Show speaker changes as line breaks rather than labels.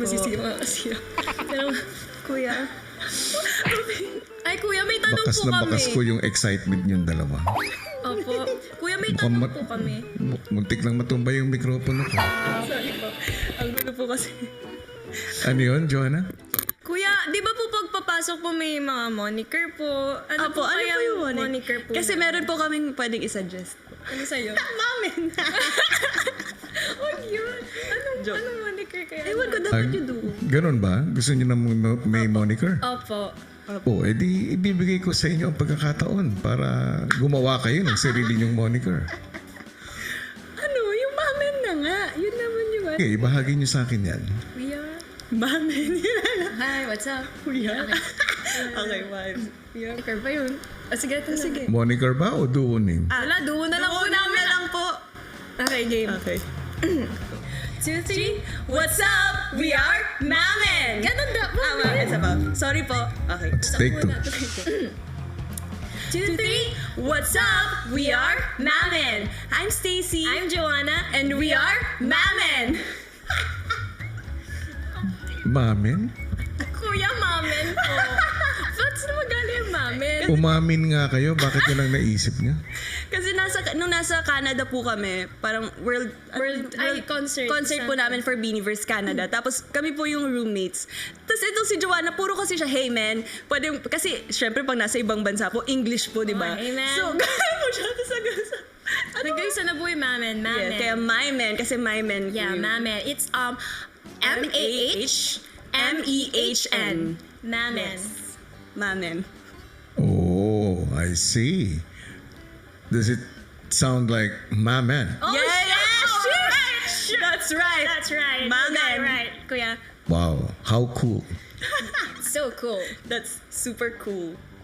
Sige. Pero, kuya. Ay, kuya, may tanong
Bakas
po
na
kami.
bakas ko yung excitement niyong dalawa.
Opo. Kuya, may
Mukhang
tanong po kami.
Muntik lang matumba yung mikropono ko.
Sorry po. Ang gulo po kasi.
Ano yun, Joanna?
Kuya, di ba po pagpapasok po may mga moniker po? Ano
Apo, ano
kaya
po yung
moniker po?
Kasi meron po kaming pwedeng isuggest.
Ano sa'yo?
Mamin!
Oh, yun.
Joke.
Anong moniker kaya?
Ewan ko, dapat yung duo.
Ganun ba? Gusto niyo na may moniker?
Opo.
O, edi ibibigay ko sa inyo ang pagkakataon para gumawa kayo ng sarili niyong moniker.
Ano? Yung mamin na nga. Yun naman yung
Okay, ibahagi niyo sa akin yan.
Kuya.
Mamin.
Hi, what's up?
Kuya. Okay, vibes.
Moniker ba yun? Sige, ito
Sige.
Moniker ba o duo name?
Wala, duo na lang po
Duo
namin.
na lang po.
Okay, game.
Okay.
2, 3. What's up? We are Mamen! Ganun da po.
Isa pa. Sorry po. Okay.
Let's take two.
2, 3. What's up? We are Mamen!
I'm Stacy.
I'm Joanna,
And we are
Mamen!
Mamin?
Kuya Mamen po. Ba't saan magaling yung Mamen?
Umamin nga kayo, bakit yun ang naisip niya?
Kasi nung nasa Canada po kami, parang
concert.
po namin for Beaniverse Canada. Tapos kami po yung roommates. Tapos itong si Joanna, puro kasi siya, hey man, pwede, kasi syempre pag nasa ibang bansa po, English po, di ba?
Oh, hey, man.
So, gaya mo siya. Tapos
Nag-isa na po yung Mamen. Mamen.
kaya my man, kasi my man.
Yeah, Mamen. It's M-A-H-M-E-H-N. Mamen.
Mamen.
Oh, I see. Does it sound like Mamen?
Oh,
Yeah,
sure.
sure. That's right.
That's right.
Mamen.
You got it right, Kuya.
Wow, how cool.
So cool.
That's super cool.